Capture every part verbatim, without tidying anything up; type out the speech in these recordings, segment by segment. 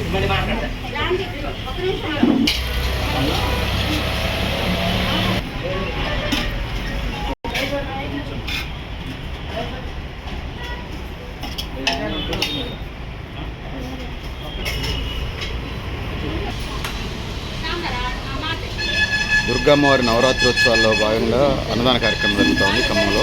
దుర్గమ్మవారి నవరాత్రోత్సవాల్లో భాగంగా అన్నదాన కార్యక్రమం జరుగుతోంది ఖమ్మంలో.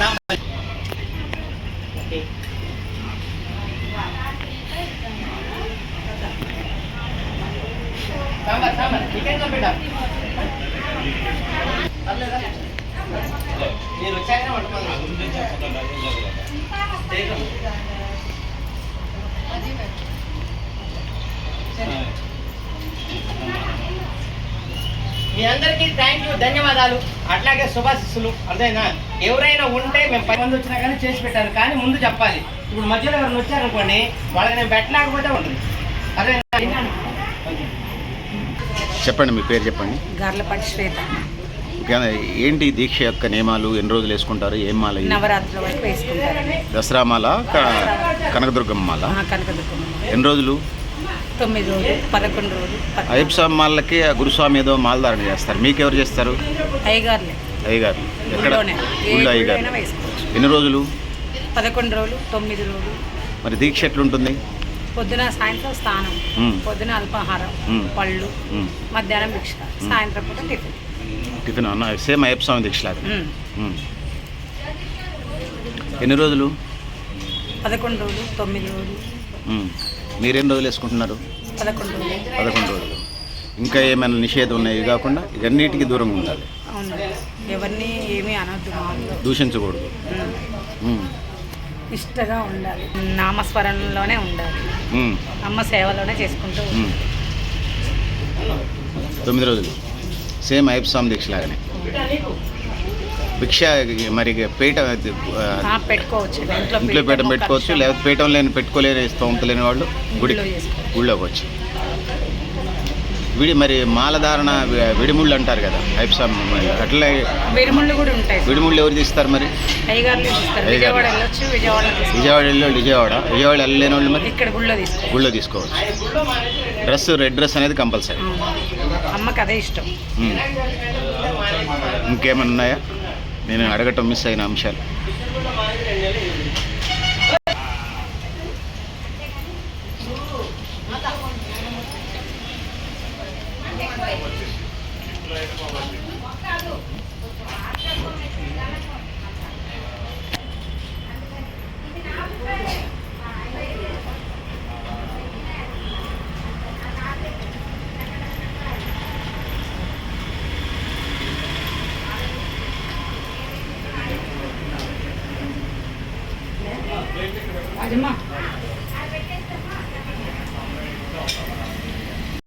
మీ అందరికీ థ్యాంక్ యూ, ధన్యవాదాలు. అట్లాగే శుభాశిస్సులు. అర్థమైనా? ఎవరైనా ఉంటే మేము పది మంది వచ్చినా కానీ చేసి పెట్టారు, కానీ ముందు చెప్పాలి. ఇప్పుడు మధ్యలో ఎవరైనా వచ్చారనుకోండి, వాళ్ళకి నేను పెట్టలేకపోతే ఉంటుంది. అర్థమైనా? చెప్పండి, మీ పేరు చెప్పండి. గార్లపాటి శ్వేత. ఏంటి దీక్ష యొక్క నియమాలు? ఎన్ని రోజులు వేసుకుంటారు? ఏం మాల? నవరాత్రుల వరకు వేసుకుంటారు. దసరా మాల, కనకదుర్గమ్మ మాల. కనకదుర్గమ్మ ఎన్ని రోజులు? తొమ్మిది రోజులు, పదకొండు రోజులు. అయ్యప్ప మాలకి గురుస్వామి ఏదో మాలధారణ చేస్తారు, మీకు ఎవరు చేస్తారు? అయ్యగారులే. అయ్యగారు ఎక్కడ? ఊళ్ళో అయ్యగారు. ఎన్ని రోజులు? పదకొండు రోజులు, తొమ్మిది రోజులు. మరి దీక్ష ఎట్లుంటుంది? పొద్దున సాయంత్రం స్నానం, పొద్దున అల్పాహారం, పళ్ళు, మధ్యాహ్నం భిక్ష, సాయంత్రం పూట టిఫిన్. టిఫిన్ అన్న సేమ్ అయ్యప్ప స్వామి దీక్ష లాగా. ఎన్ని రోజులు? పదకొండు రోజులు, తొమ్మిది రోజులు. మీరెన్ని రోజులు వేసుకుంటున్నారు? పదకొండు రోజులు. పదకొండు రోజులు. ఇంకా ఏమైనా నిషేధం ఉన్నాయి కాకుండా ఇవన్నిటికీ దూరంగా ఉండాలి. అవును, ఎవరిని ఏమీ అనొద్దు, దూషించకూడదు, ఇష్టగా ఉండాలి, నామస్మరణలోనే ఉండాలి, అమ్మ సేవలోనే చేసుకుంటూ. తొమ్మిది రోజులు సేమ్ అయ్యప్ప స్వామి దీక్ష లాగానే. భిక్ష మరి పీట పెట్టుకోవచ్చు, ఇంట్లో పీట పెట్టుకోవచ్చు, లేకపోతే పీఠం లేని పెట్టుకోలేని స్తోమత లేని వాళ్ళు గుడి గుళ్ళోకి వచ్చి విడి మరి మాలధారణ విడిముళ్ళు అంటారు కదా అయ్యప్ప స్వామి, అట్లా విడిముళ్ళు కూడా ఉంటాయి. విడిముళ్ళు ఎవరు తీస్తారు మరి? విజయవాడ విజయవాడ వెళ్ళి విజయవాడ విజయవాడ వెళ్ళలేని వాళ్ళు మరి ఇక్కడ గుళ్ళో తీసుకోవచ్చు. గుళ్ళో తీసుకోవచ్చు. డ్రెస్ రెడ్ డ్రెస్ అనేది కంపల్సరీ. అమ్మకి అదే ఇష్టం. ఇంకేమైనా ఉన్నాయా నేను అడగటం మిస్ అయిన అంశాలు? అజమా